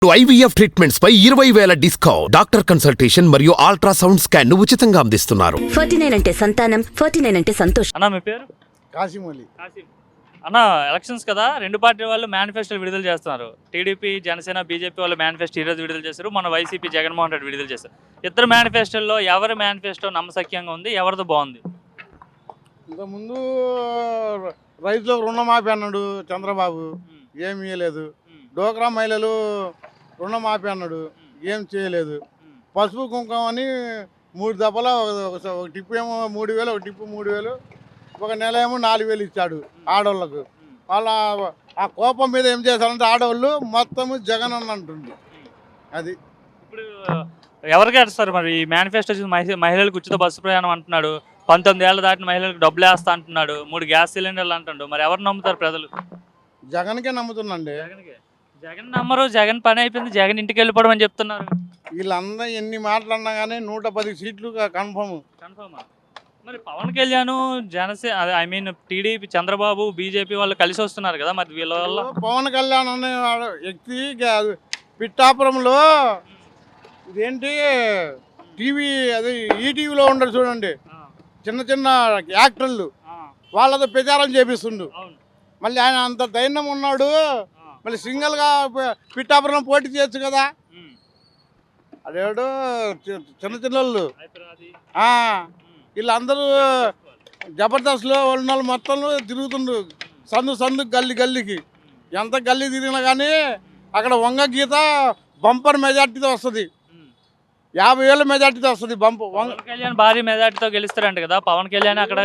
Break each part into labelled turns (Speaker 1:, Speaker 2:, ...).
Speaker 1: IVF treatments పై 20,000 discount. Doctor consultation మరియు ultrasound scan ను ఉచితంగా అందిస్తున్నారు.
Speaker 2: 49 అంటే సంతానం, 49 అంటే సంతోషం.
Speaker 3: అన్న మీ పేరు?
Speaker 4: కాసిం అలీ.
Speaker 3: అన్న ఎలక్షన్స్ కదా, రెండు పార్టీ వాళ్ళు మేనిఫెస్టోలు విడుదల చేస్తున్నారు. టీడీపీ, జనసేన, బీజేపీ వాళ్ళు మేనిఫెస్టో ఈరోజు విడుదల చేశారు. మన వైసీపీ జగన్మోహన్ రెడ్డి విడుదల చేశారు. ఇద్దరు మేనిఫెస్టోల్లో ఎవరి మేనిఫెస్టో నమ్మశక్యంగా ఉంది, ఎవరిది బాగుంది?
Speaker 4: ఇంతకుముందు రైతులకు రుణమాఫీ అన్నాడు చంద్రబాబు, ఏమి ఇవ్వలేదు. డోక్రా మహిళలు రుణమాఫీ అన్నాడు, ఏం చేయలేదు. పసుపు కుంకుమ అని 3 దఫల ఒక టిప్పు ఏమో 3,000, ఒక టిప్పు 3,000, ఒక నెల ఏమో 4,000 ఇచ్చాడు ఆడవాళ్ళకు. వాళ్ళ ఆ కోపం మీద ఏం చేశారంటే ఆడవాళ్ళు మొత్తము జగన్ అని అంటుంది. అది
Speaker 3: ఇప్పుడు ఎవరికి వేస్తారు మరి ఈ మేనిఫెస్టో చూసి? మహిళలకు ఉచిత బస్సు ప్రయాణం అంటున్నాడు, 19 ఏళ్ళు దాటిన మహిళలకు డబ్బులు వేస్తా అంటున్నాడు, 3 గ్యాస్ సిలిండర్లు అంటాడు. మరి ఎవరు నమ్ముతారు ప్రజలు?
Speaker 4: జగన్కే నమ్ముతుందండి.
Speaker 3: జగన్ నమ్మరు, జగన్ పని అయిపోయింది, జగన్ ఇంటికి వెళ్ళిపోవడం అని చెప్తున్నారు.
Speaker 4: వీళ్ళందరూ ఎన్ని మాటలన్నా కానీ 110 సీట్లు కన్ఫర్మ్.
Speaker 3: మరి పవన్ కళ్యాణ్, జనసేన టీడీపీ, చంద్రబాబు, బీజేపీ వాళ్ళు కలిసి వస్తున్నారు కదా, మరి వీళ్ళ వల్ల
Speaker 4: పవన్ కళ్యాణ్ అనే వ్యక్తి పిఠాపురంలో ఇదేంటి టీవీ, అది ఈటీవీలో ఉండరు చూడండి, చిన్న చిన్న యాక్టర్లు వాళ్ళతో ప్రచారం చేపిస్తుండు. మళ్ళీ ఆయన అంత ధైర్యం ఉన్నాడు, మళ్ళీ సింగిల్గా పిఠాపురం పోటీ చేయొచ్చు కదా. అదేడు చిన్న చిన్నోళ్ళు వీళ్ళందరూ జబర్దస్త్లో ఉన్న వాళ్ళు మొత్తం తిరుగుతుండ్రు, సందు గల్లీ గల్లీకి. ఎంత గల్లీ తిరిగినా కానీ అక్కడ వంగ గీత బంపర్ మెజార్టీతో వస్తుంది, 50,000 మెజార్టీతో వస్తుంది.
Speaker 3: పవన్ కళ్యాణ్ భారీ మెజార్టీతో గెలుస్తారంట కదా పవన్ కళ్యాణ్. అక్కడ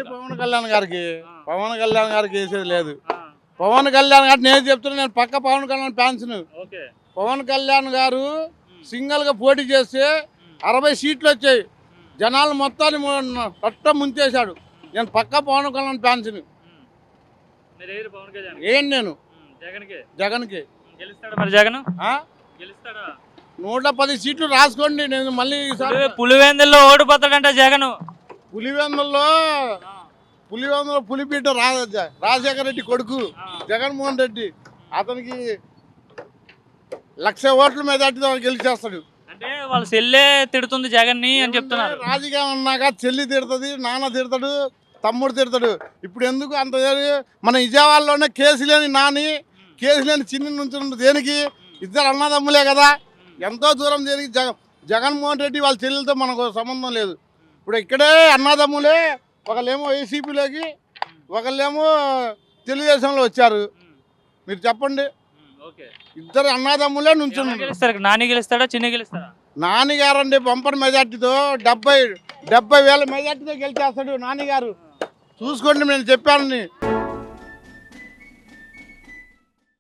Speaker 4: పవన్ కళ్యాణ్ గారికి వేసేది లేదు. పవన్ కళ్యాణ్ గారు నేను చెప్తున్నా, నేను పక్క పవన్ కళ్యాణ్ ఫ్యాన్స్ను. పవన్ కళ్యాణ్ గారు సింగిల్గా పోటీ చేస్తే 60 సీట్లు వచ్చాయి, జనాలు మొత్తాన్ని పట్ట ముంచేశాడు. నేను పక్క పవన్ కళ్యాణ్ ఫ్యాన్స్ని. ఏం నేను జగన్కి 110 సీట్లు రాసుకోండి. నేను మళ్ళీ
Speaker 3: పులివెందుల్లో ఓడిపోతాడంట జగన్.
Speaker 4: పులివెందులో పులిపీట రాజశేఖర రెడ్డి కొడుకు జగన్మోహన్ రెడ్డి, అతనికి 1,00,000 ఓట్ల మెజార్టీతో గెలిచేస్తాడు.
Speaker 3: అంటే వాళ్ళ చెల్లె తిడుతుంది జగన్ ని అని చెప్తున్నారు.
Speaker 4: రాజకీయం అన్నాక చెల్లి తిడుతుంది, నాన్న తిడతాడు, తమ్ముడు తిడతాడు. ఇప్పుడు ఎందుకు అంత? మన విజయవాడలోనే కేసు లేని నాని, కేసు లేని చిన్ని నుంచి దేనికి? ఇద్దరు అన్నదమ్ములే కదా. ఎంతో దూరం దేనికి? జగన్మోహన్ రెడ్డి వాళ్ళ చెల్లెలతో మనకు సంబంధం లేదు. ఇప్పుడు ఇక్కడే అన్నదమ్ములే, ఒకళ్ళేమో వైసీపీలోకి, ఒకళ్ళేమో తెలుగుదేశంలో వచ్చారు. మీరు చెప్పండి, ఇద్దరు అన్నదమ్ములే నుంచున్నారు.
Speaker 3: నాని గెలుస్తాడా, చిన్న గెలుస్తాడా?
Speaker 4: నానిగారండి బంపర్ మెజార్టీతో 70,000 మెజార్టీతో గెలిచేస్తాడు నానిగారు. చూసుకోండి, నేను చెప్పాను.